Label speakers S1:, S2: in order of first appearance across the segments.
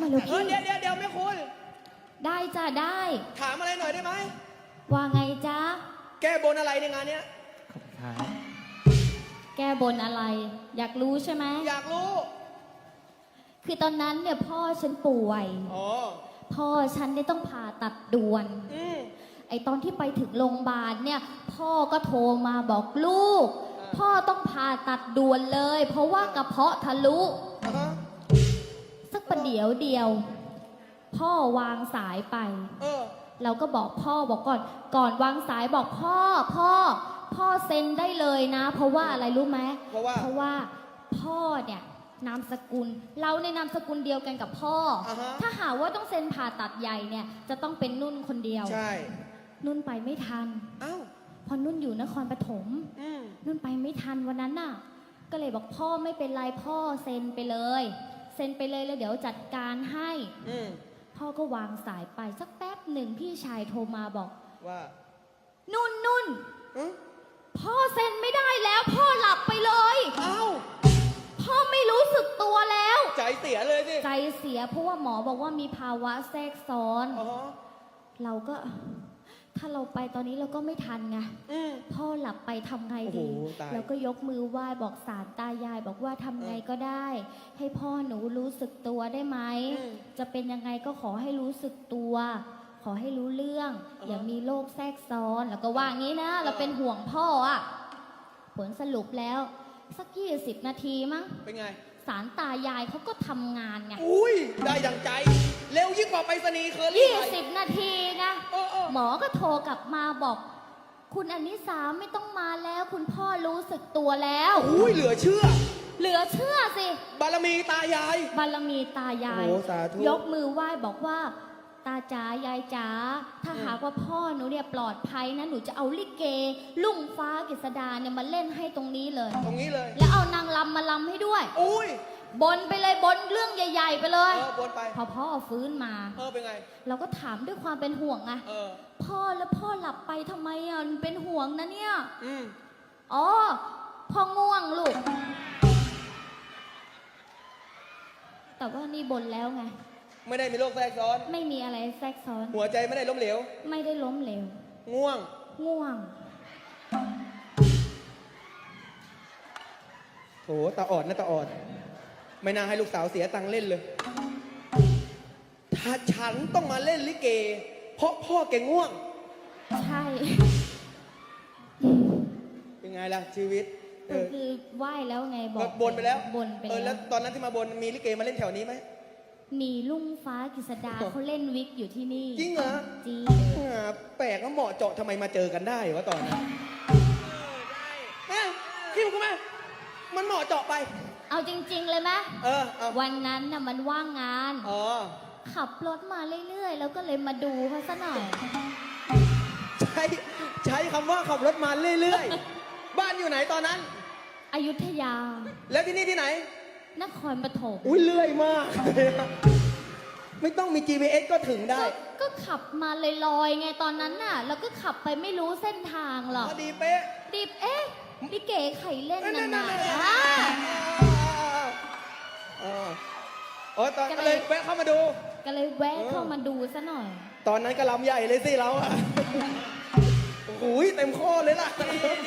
S1: เหรอพี่
S2: เดี๋ยวแม่คุณ
S1: ได้จ้ะได้
S2: ถามอะไรหน่อยได้ไหม
S1: ว่าไงจ๊ะ
S2: แก้บนอะไรในงานเนี้ย
S3: ขอบคุณครับ
S1: แก้บนอะไร อยากรู้ใช่ไหม
S2: อยากรู้
S1: คือตอนนั้นเนี่ยพ่อฉันป่วย
S2: อ๋อ
S1: พ่อฉันได้ต้องผ่าตัดด่วน
S2: อืม
S1: ไอตอนที่ไปถึงโรงพยาบาลเนี่ยพ่อก็โทรมาบอกลูก พ่อต้องผ่าตัดด่วนเลย เพราะว่ากระเพาะทะลุ
S2: อ่าฮะ
S1: สักประเดี๋ยวเดียว พ่อวางสายไป
S2: เออ
S1: เราก็บอกพ่อบอกก่อนวางสายบอกพ่อเซ็นได้เลยนะ เพราะว่าอะไรรู้ไหม
S2: เพราะว่า
S1: พ่อเนี่ยนามสกุล เราในนามสกุลเดียวกันกับพ่ออา
S2: ฮะ
S1: ถ้าหาว่าต้องเซ็นผ่าตัดใหญ่เนี่ยจะต้องเป็นนุ่นคนเดียว
S2: ใช่
S1: นุ่นไปไม่ทัน
S2: เอ้า
S1: พอนุ่นอยู่นครปฐม
S2: อืม
S1: นุ่นไปไม่ทันวันนั้นน่ะ ก็เลยบอกพ่อไม่เป็นไรพ่อเซ็นไปเลย เซ็นไปเลยแล้วเดี๋ยวจัดการให้
S2: อืม
S1: พ่อก็วางสายไปสักแป๊บหนึ่งพี่ชายโทรมาบอก
S2: ว่า
S1: นุ่น
S2: อืม
S1: พ่อเซ็นไม่ได้แล้วพ่อหลับไปเลย
S2: เอ้า
S1: พ่อไม่รู้สึกตัวแล้ว
S2: ใจเสียเลยสิ
S1: ใจเสียเพราะว่าหมอบอกว่ามีภาวะแทรกซ้อน
S2: อ๋อ
S1: เราก็ ถ้าเราไปตอนนี้เราก็ไม่ทันไง
S2: อืม
S1: พ่อหลับไปทำไงดี
S2: โอ้โหตาย
S1: เราก็ยกมือไหว้บอกศาลตายายบอกว่าทำไงก็ได้ ให้พ่อหนูรู้สึกตัวได้ไหม จะเป็นยังไงก็ขอให้รู้สึกตัว ขอให้รู้เรื่อง อย่ามีโรคแทรกซ้อน แล้วก็ว่างี้นะ เราเป็นห่วงพ่ออะผลสรุปแล้ว สัก20 นาทีมั้ง
S2: เป็นไง
S1: ศาลตายายเขาก็ทำงานไง
S2: อุ้ย ได้ดังใจ เร็วยิ่งกว่าไปรษณีย์เคอรี่ไป
S1: 20 นาทีไง
S2: เออ
S1: หมอก็โทรกลับมาบอก คุณอนิสาไม่ต้องมาแล้ว คุณพ่อรู้สึกตัวแล้ว
S2: อุ้ย เหลือเชื่อ
S1: เหลือเชื่อสิ
S2: บารมีตายาย
S1: บารมีตายาย
S2: โอ้สาธุ
S1: ยกมือไหว้บอกว่า ตาจ๋ายายจ๋าถ้าหากว่าพ่อหนูเนี่ยปลอดภัยนะหนูจะเอาลิเก ลุ่งฟ้ากฤษดาเนี่ยมาเล่นให้ตรงนี้เลย
S2: ตรงนี้เลย
S1: แล้วเอานางลำมาลำให้ด้วย
S2: อุ้ย
S1: บนไปเลยบนเรื่องใหญ่ ๆ ไปเลย
S2: บนไป
S1: พอพ่อฟื้นมา
S2: เป็นไง
S1: เราก็ถามด้วยความเป็นห่วงไง
S2: เออ
S1: พ่อแล้วพ่อหลับไปทำไมอ่ะเป็นห่วงนะเนี่ย
S2: อืม
S1: อ๋อพ่อง่วงลูก แต่ว่านี่บนแล้วไง
S2: ไม่ได้มีโรคแทรกซ้อน
S1: ไม่มีอะไรแทรกซ้อน
S2: หัวใจไม่ได้ล้มเหลว
S1: ไม่ได้ล้มเหลว
S2: ง่วง
S1: ง่วง
S2: โถตาอ่อนนะตาอ่อน ไม่น่าให้ลูกสาวเสียตังค์เล่นเลย ถ้าฉันต้องมาเล่นลิเก เพราะพ่อแกง่วง
S1: ใช่
S2: เป็นไงล่ะชีวิต
S1: ก็คือไหว้แล้วไงบอก
S2: บนไปแล้ว
S1: บนไป
S2: แล้
S1: แล้ว ว
S2: ตอนนั้นที่มาบนมีลิเกมาเล่นแถวนี้ไหม
S1: มีลุ่งฟ้ากฤษดาเขาเล่นวิกอยู่ที่นี่
S2: จริงเหรอ
S1: จริง
S2: แปลกก็เหมาะเจาะทำไมมาเจอกันได้วะตอนนั้นคิดกูไหมมันเหมาะเจาะไป
S1: เอาจริง ๆ เลยไหม
S2: เอา
S1: วันนั้นน่ะมันว่างงาน
S2: อ๋อ
S1: ขับรถมาเรื่อยๆ แล้วก็เลยมาดูเขาซะหน่อย
S2: ใช้คำว่าขับรถมาเรื่อยๆ บ้านอยู่ไหนตอนนั้น
S1: อยุธยา
S2: แล้วที่นี่ที่ไหน
S1: นครปฐม
S2: อุ้ยเลื่อยมาก ไม่ต้องมี GPS ก็ถึงได้
S1: ก็ขับมาลอยๆไงตอนนั้นน่ะ แล้วก็ขับไปไม่รู้เส้นทางหรอก
S2: พอดีเป๊ะ
S1: ดิบพี่เก๋ไข่เล่นนาน
S2: นั่น
S1: ๆ
S2: ๆ
S1: อ่ะ
S2: อ๋อตอนก็เลยแวะเข้ามาดู
S1: ก็เลยแวะเข้ามาดูซะหน่อย
S2: ตอนนั้นก็ลำใหญ่เลยสิเราอะโอ้โหเต็มข้อเลยล่ะ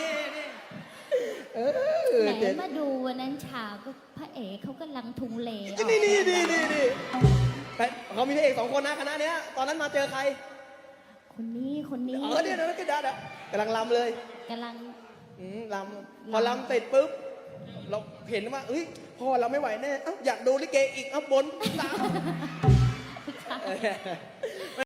S1: ไหนมาดูวันนั้นฉากก็พระเอกเขากำลังทุงเลออก
S2: นี่แต่เขามีพระเอก2 คนนะคณะเนี้ย ตอนนั้นมาเจอใคร
S1: คนนี้
S2: เดี๋ยวก็ได้กำลังลำเลย
S1: กำลัง
S2: ลำพอลำเสร็จปุ๊บ เราเห็นว่าเอ้ยพ่อเราไม่ไหวแน่อยากดูลิเกอีกบนตาม